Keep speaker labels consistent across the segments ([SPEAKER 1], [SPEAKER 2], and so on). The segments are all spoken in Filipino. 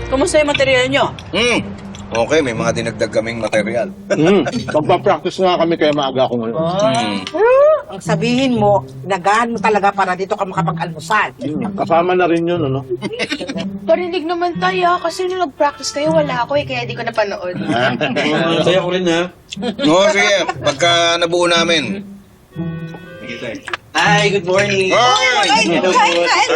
[SPEAKER 1] Kumusta yung material nyo?
[SPEAKER 2] Okay, may mga dinagdag kaming material.
[SPEAKER 3] Magpa-practice nga kami kaya maaga ako ngayon.
[SPEAKER 4] Ang sabihin mo, nagahan mo talaga para dito ka makapag-almusal.
[SPEAKER 3] Kasama na rin yun, ano?
[SPEAKER 5] Parinig naman tayo, kasi nung nag-practice kayo, wala ako eh, kaya di ko napanood.
[SPEAKER 6] Saya ko rin, ha?
[SPEAKER 2] Oo, sige. Pagka nabuo namin.
[SPEAKER 6] Hi, good morning. Hello po.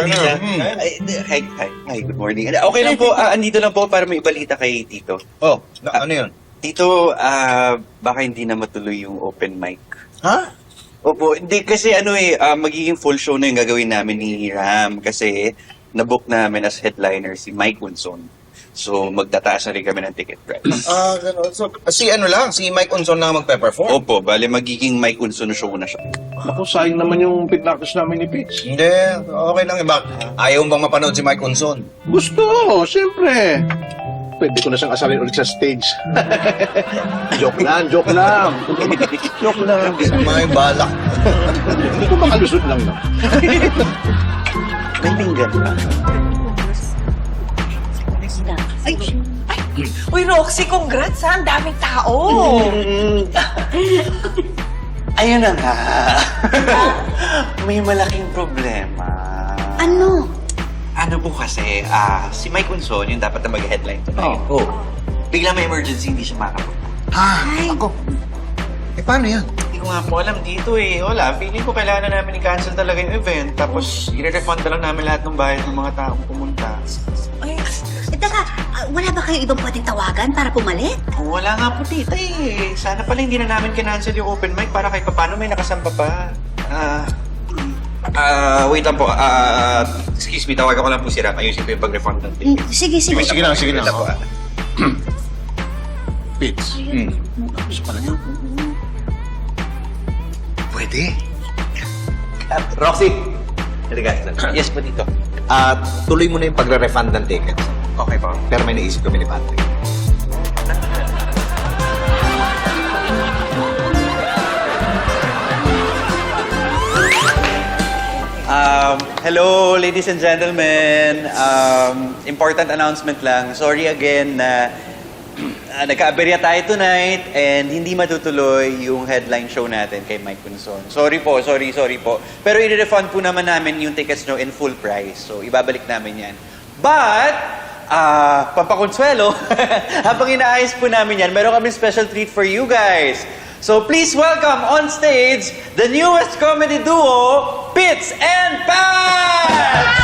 [SPEAKER 6] Hi, good morning. Okay lang po, andito lang po para may ibalita kay Tito.
[SPEAKER 2] Oh, ano yun?
[SPEAKER 6] Tito, baka hindi na matuloy yung open mic.
[SPEAKER 2] Ha?
[SPEAKER 6] Opo, hindi kasi magiging full show na yung gagawin namin ni Ram kasi nabook namin as headliner si Mike Unson. So, magtataas na rin kami ng ticket price.
[SPEAKER 2] Gano'n. So, si Mike Unson lang magpe-perform?
[SPEAKER 6] Opo, bale magiging Mike Unson show na siya.
[SPEAKER 3] Ako, sayang naman yung pin-practice namin ni Pitch.
[SPEAKER 2] Hindi, okay lang. Ayaw bang mapanood si Mike Unson?
[SPEAKER 3] Gusto, siyempre. Pwede ko na siyang asalin ulit sa stage. Joke lang. Joke lang.
[SPEAKER 2] Sama yung balak.
[SPEAKER 3] Hindi ko makalusot lang, no?
[SPEAKER 6] May pinggan pa.
[SPEAKER 4] Uy, Roxy, congrats ha! Ang daming tao!
[SPEAKER 6] Ayun na nga. May malaking problema.
[SPEAKER 5] Ano?
[SPEAKER 6] Ano po kasi, si Mike Unson, yung dapat na mag-headline tonight.
[SPEAKER 2] Oh.
[SPEAKER 6] Bigla may emergency, hindi siya makapunta.
[SPEAKER 2] Ako. Paano yan?
[SPEAKER 6] Hindi ko nga po alam dito eh. Wala, feeling ko kailangan na namin i-cancel talaga yung event. Tapos, i-refund na lang namin lahat ng bayad ng mga taong pumunta.
[SPEAKER 7] Ay, teka, wala ba kayo ibang pwedeng tawagan para pumalit?
[SPEAKER 6] Wala nga po tita eh. Sana pala hindi na namin kinancel yung open mic para kahit paano may nakasamba pa. Wait lang po. Excuse me, tawagan ko lang po si Ram. Ayusin ko yung pag-refund ng ticket.
[SPEAKER 7] Sige.
[SPEAKER 2] Sige lang.
[SPEAKER 6] Po,
[SPEAKER 3] Pitch. Gusto pala niya.
[SPEAKER 2] Pwede.
[SPEAKER 8] Roxy,
[SPEAKER 6] Yes po dito.
[SPEAKER 8] tuloy mo na yung pagre-refund ng tickets.
[SPEAKER 6] Okay po.
[SPEAKER 8] Pero may naisip kami ni Patrick.
[SPEAKER 6] Hello, ladies and gentlemen. Important announcement lang. Sorry again na nagka-aberya tayo tonight and hindi matutuloy yung headline show natin kay Mike Unson. Sorry po. Pero i-refund po naman namin yung tickets nyo in full price. So, ibabalik namin yan. But, pampakonsuelo, habang inaayos po namin yan, meron kami special treat for you guys. So, please welcome on stage the newest comedy duo, Pitts and Pat!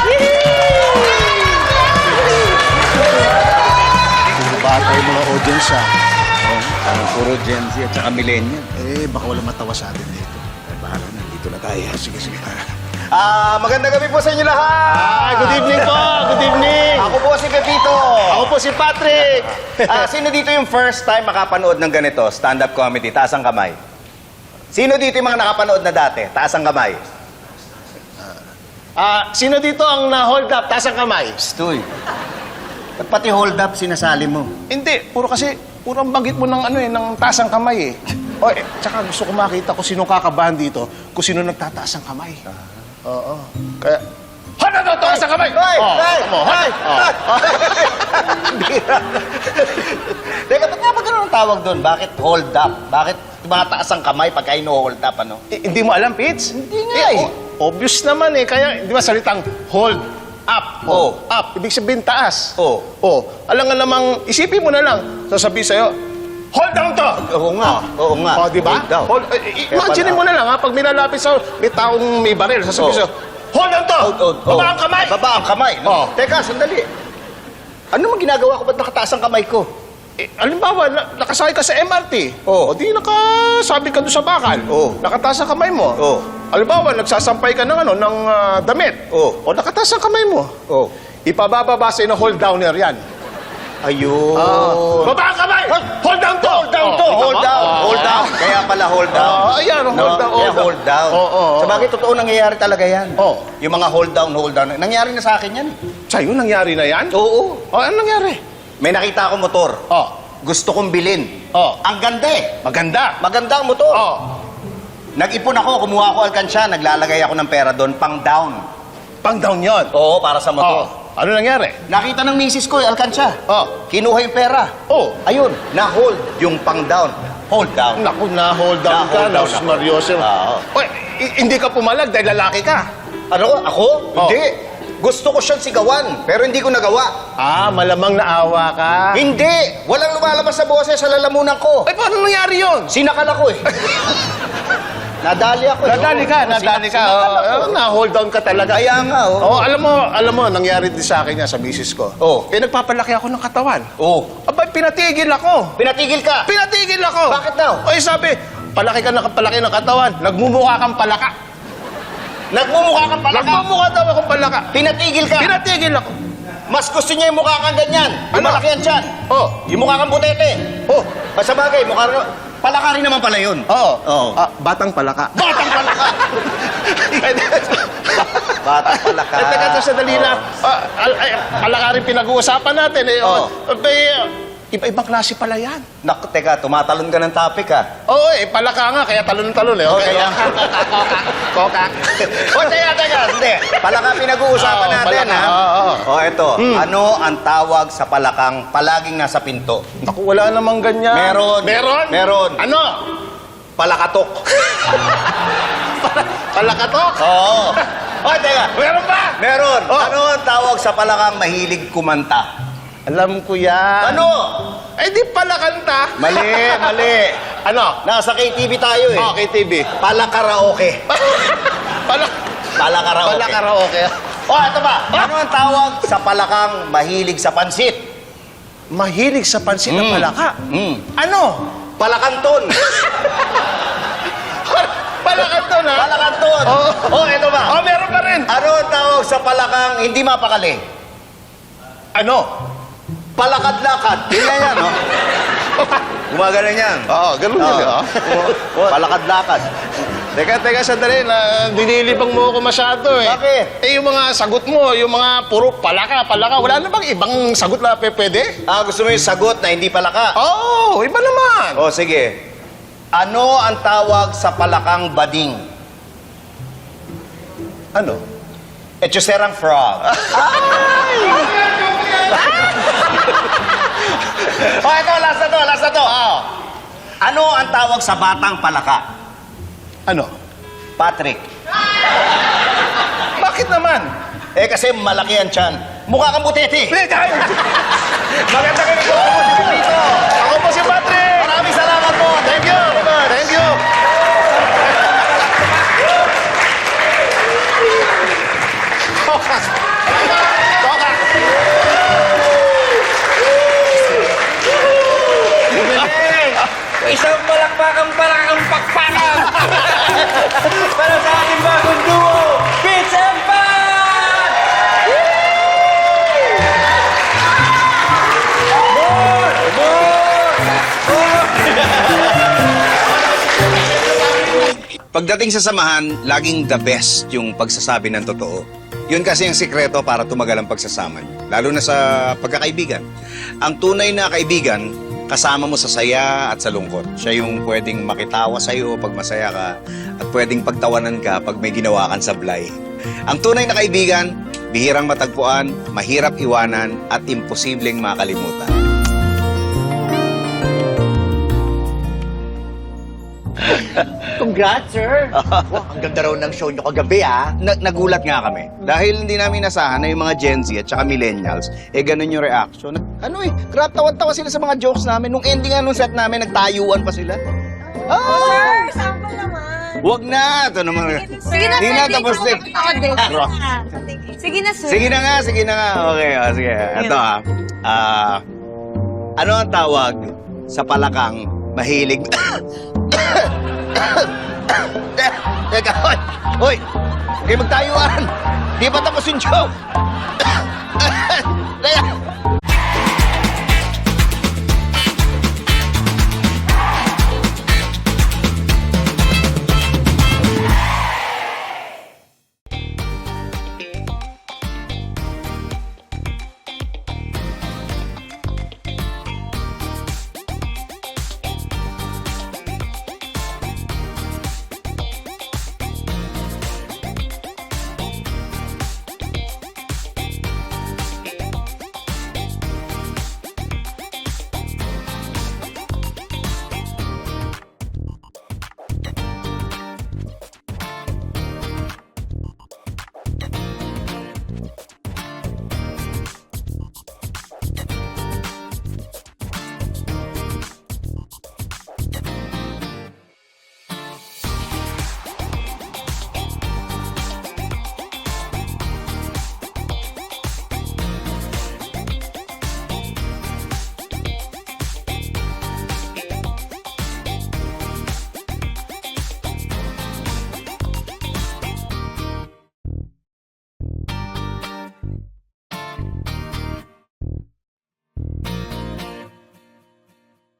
[SPEAKER 3] Bata yung mga audience, ha?
[SPEAKER 2] Parang puro Gen Z at saka millennial.
[SPEAKER 3] Baka wala matawa sa atin dito. Bahala na, dito na tayo. Sige.
[SPEAKER 8] Magandang gabi po sa inyo lahat!
[SPEAKER 3] Good evening po! Good evening!
[SPEAKER 8] Ako po si Pepito!
[SPEAKER 3] Ako po si Patrick!
[SPEAKER 8] Sino dito yung first time makapanood ng ganito, stand-up comedy? Taas ang kamay. Sino dito yung mga nakapanood na dati? Taas ang kamay.
[SPEAKER 3] Sino dito ang na-hold up? Taas ang kamay.
[SPEAKER 8] Stoy. Ba't pati hold up sinasali mo?
[SPEAKER 3] Hindi, puro ang banggit mo ng taas ang kamay eh. Tsaka gusto ko makita kung sino kakabahan dito, kung sino nagtataas ang kamay. Oo. Kaya, Hala, taas ang kamay!
[SPEAKER 8] Hoy!
[SPEAKER 3] Hoy!
[SPEAKER 8] Teka, ba't nga ba ganun ang tawag doon? Bakit hold up? Bakit tumataas ang kamay pagka ino-hold up, ano?
[SPEAKER 3] Hindi mo alam, Pitts?
[SPEAKER 8] Hindi nga eh.
[SPEAKER 3] Obvious naman eh. Kaya, di ba salitang hold up?
[SPEAKER 8] Oh.
[SPEAKER 3] Up. Ibig sabihin taas.
[SPEAKER 8] Oh.
[SPEAKER 3] Alam nga namang, isipin mo na lang. Sasabihin sa'yo, hold down to!
[SPEAKER 8] Oo nga.
[SPEAKER 3] Di ba?
[SPEAKER 8] Hold down.
[SPEAKER 3] Imagine mo na lang, ha? Pag nilalapit sa may taong may baril, sasabihin sa'yo, hold down to! Baba ang kamay!
[SPEAKER 8] Baba ang kamay. No? Teka, sandali. Ano mang ginagawa ko? Ba't nakataas ang kamay ko?
[SPEAKER 3] Alimbawa, nakasakay ka sa MRT.
[SPEAKER 8] Oh.
[SPEAKER 3] O di nakasabi ka doon sa bakal.
[SPEAKER 8] Oh.
[SPEAKER 3] Nakataas ang kamay mo.
[SPEAKER 8] Oh.
[SPEAKER 3] Alimbawa, nagsasampay ka ng damit.
[SPEAKER 8] Oh.
[SPEAKER 3] O nakataas ang kamay mo.
[SPEAKER 8] Oh.
[SPEAKER 3] Ipabababa sa'yo na hold downer yan.
[SPEAKER 8] Ayun.
[SPEAKER 3] Baba ang kamay! Hold down to!
[SPEAKER 8] Hold down to! Hold down! Hold down! Kaya pala hold down.
[SPEAKER 3] Ayan, hold down.
[SPEAKER 8] Kaya hold down. Sa bagay, totoo nangyayari talaga yan.
[SPEAKER 3] Oh.
[SPEAKER 8] Yung mga hold down. Nangyari na sa akin yan.
[SPEAKER 3] Sa'yo, nangyari na yan?
[SPEAKER 8] Oo.
[SPEAKER 3] Ano nangyari?
[SPEAKER 8] May nakita akong motor.
[SPEAKER 3] Oh.
[SPEAKER 8] Gusto kong bilhin.
[SPEAKER 3] Oh.
[SPEAKER 8] Ang ganda eh.
[SPEAKER 3] Maganda.
[SPEAKER 8] Maganda ang motor.
[SPEAKER 3] Oh.
[SPEAKER 8] Nag-ipon ako, kumuha ako alkansya, naglalagay ako ng pera doon, pang down.
[SPEAKER 3] Pang down yon.
[SPEAKER 8] Oo, para sa motor.
[SPEAKER 3] Ano nangyari?
[SPEAKER 8] Nakita ng misis ko, alkansya.
[SPEAKER 3] Oh.
[SPEAKER 8] Kinuha yung pera.
[SPEAKER 3] Oh.
[SPEAKER 8] Ayun, na-hold yung pang-down. Hold down.
[SPEAKER 3] Naku, na-hold down ka,
[SPEAKER 8] Na-hold down
[SPEAKER 3] Los
[SPEAKER 8] ako.
[SPEAKER 3] Marioso.
[SPEAKER 8] Oo.
[SPEAKER 3] Oy, hindi ka pumalag dahil lalaki ka.
[SPEAKER 8] Ano? Ako?
[SPEAKER 3] Oh.
[SPEAKER 8] Hindi. Gusto ko siyang sigawan, pero hindi ko nagawa.
[SPEAKER 3] Ah, malamang naawa ka.
[SPEAKER 8] Hindi! Walang lumalabas sa boses sa lalamunan ko.
[SPEAKER 3] Ay, paano nangyari yun?
[SPEAKER 8] Sinakal ako eh. Nadali ako eh.
[SPEAKER 3] Nadali ka, nadali ka. Oh, na-hold down ka talaga.
[SPEAKER 8] Kaya nga,
[SPEAKER 3] Oh, alam mo, nangyari din sa akin yan, sa misis ko.
[SPEAKER 8] Oh.
[SPEAKER 3] Eh, nagpapalaki ako ng katawan.
[SPEAKER 8] Oh.
[SPEAKER 3] Abay, pinatigil ako.
[SPEAKER 8] Pinatigil ka.
[SPEAKER 3] Pinatigil ako.
[SPEAKER 8] Bakit daw?
[SPEAKER 3] Oy, sabi, palaki ka ng palaki ng katawan. Nagmumukha kang palaka.
[SPEAKER 8] Nagmumukha kang palaka.
[SPEAKER 3] Nagmumukha daw akong palaka.
[SPEAKER 8] Pinatigil ka.
[SPEAKER 3] Pinatigil ako.
[SPEAKER 8] Mas gusto niya yung mukha kang ganyan. Yung
[SPEAKER 3] Ano?
[SPEAKER 8] malaki yan dyan.
[SPEAKER 3] Oh.
[SPEAKER 8] Yung mukha kang butete.
[SPEAKER 3] Oh.
[SPEAKER 8] Sa bagay, mukha rin. Palaka rin naman pala yun.
[SPEAKER 3] Oo.
[SPEAKER 8] Oo.
[SPEAKER 3] Ah, batang palaka.
[SPEAKER 8] Batang palaka. Batang palaka.
[SPEAKER 3] Eh, teka, sandali lang. Palaka rin pinag-uusapan natin. Eh,
[SPEAKER 8] Oo.
[SPEAKER 3] Iba-ibang klase pala yan.
[SPEAKER 8] Naku, teka, tumatalon ka ng topic ha.
[SPEAKER 3] Oo, palaka nga, kaya talon-talon eh. Okay,
[SPEAKER 8] kaya.
[SPEAKER 3] Koka.
[SPEAKER 8] O, teka, hindi. Palaka pinag-uusapan
[SPEAKER 3] Oo,
[SPEAKER 8] natin
[SPEAKER 3] palaka,
[SPEAKER 8] ha.
[SPEAKER 3] oo.
[SPEAKER 8] O, eto. Ano ang tawag sa palakang palaging nasa pinto?
[SPEAKER 3] Naku, wala namang ganyan.
[SPEAKER 8] Meron.
[SPEAKER 3] Meron?
[SPEAKER 8] Meron.
[SPEAKER 3] Ano?
[SPEAKER 8] Palakatok.
[SPEAKER 3] Palakatok?
[SPEAKER 8] Oo. O, teka.
[SPEAKER 3] Meron ba?
[SPEAKER 8] Meron.
[SPEAKER 3] Oh.
[SPEAKER 8] Ano ang tawag sa palakang mahilig kumanta?
[SPEAKER 3] Alam ko yan.
[SPEAKER 8] Ano?
[SPEAKER 3] Eh, di pala kanta.
[SPEAKER 8] Mali, mali.
[SPEAKER 3] Ano?
[SPEAKER 8] Nasa KTV tayo eh.
[SPEAKER 3] Okay, TV.
[SPEAKER 8] Palakaraoke. Palakaraoke.
[SPEAKER 3] Palakaraoke.
[SPEAKER 8] O, ito ba? Ano ang tawag sa palakang mahilig sa pansit?
[SPEAKER 3] Mahilig sa pansit na palaka. Ano?
[SPEAKER 8] Palakanton.
[SPEAKER 3] Palakanto na?
[SPEAKER 8] Palakanton.
[SPEAKER 3] Oo.
[SPEAKER 8] O, ito ba?
[SPEAKER 3] Oh, meron pa rin.
[SPEAKER 8] Ano ang tawag sa palakang hindi mapakali?
[SPEAKER 3] Ano?
[SPEAKER 8] Palakad-lakad. Ganyan yan, no? Gumagano yan.
[SPEAKER 3] Oo, ganun
[SPEAKER 8] Oo.
[SPEAKER 3] yun.
[SPEAKER 8] Palakad-lakad.
[SPEAKER 3] Teka, sandali. Dinilibang mo ako masyado eh.
[SPEAKER 8] Bakit?
[SPEAKER 3] Eh, yung mga sagot mo, yung mga puro palaka. Wala na bang ibang sagot na pwede?
[SPEAKER 8] Gusto mo yung sagot na hindi palaka?
[SPEAKER 3] Oo, iba naman.
[SPEAKER 8] O, sige. Ano ang tawag sa palakang bading?
[SPEAKER 3] Ano?
[SPEAKER 8] Echoserang frog. O, ito, last na to. Ano ang tawag sa batang palaka?
[SPEAKER 3] Ano?
[SPEAKER 8] Patrick.
[SPEAKER 3] Bakit naman?
[SPEAKER 8] Eh, kasi malaki ang tiyan. Mukha kang butete. Maganda kayo po. Ako si Pipito.
[SPEAKER 3] Ako po si Patrick.
[SPEAKER 8] Maraming salamat po.
[SPEAKER 3] Thank you. Thank you. Toka. Toka.
[SPEAKER 6] Isang malakpakang palakang pakpakan! Para sa ating bagong duo, Pitch and Pat!
[SPEAKER 2] Pagdating sa samahan, laging the best yung pagsasabi ng totoo. Yun kasi ang sikreto para tumagal ang pagsasama niyo. Lalo na sa pagkakaibigan. Ang tunay na kaibigan, kasama mo sa saya at sa lungkot. Siya yung pwedeng makitawa sa'yo pag masaya ka at pwedeng pagtawanan ka pag may ginawa kang sablay. Ang tunay na kaibigan, bihirang matagpuan, mahirap iwanan at imposibleng makalimutan.
[SPEAKER 1] Congrats, sir! Wow, ang ganda raw ng show nyo kagabi, ah!
[SPEAKER 2] Nagulat nga kami. Dahil hindi namin nasahan na yung mga Gen Z at saka millennials, ganun yung reaction. Tawan-tawa sila sa mga jokes namin. Nung ending nga nung set namin, nagtayuan pa sila.
[SPEAKER 5] Sir, sample naman.
[SPEAKER 2] Wag na! Ito naman.
[SPEAKER 5] Sige na,
[SPEAKER 2] Hindi
[SPEAKER 5] sir.
[SPEAKER 2] na,
[SPEAKER 5] Thank
[SPEAKER 2] tapos
[SPEAKER 5] you.
[SPEAKER 2] din.
[SPEAKER 5] Sige na, sir.
[SPEAKER 2] Sige na nga. Okay, sige. Ito ano ang tawag sa palakang mahilig... Teka, hoy! Huwag magtayuan! Di pa tapos yung joke! Teka,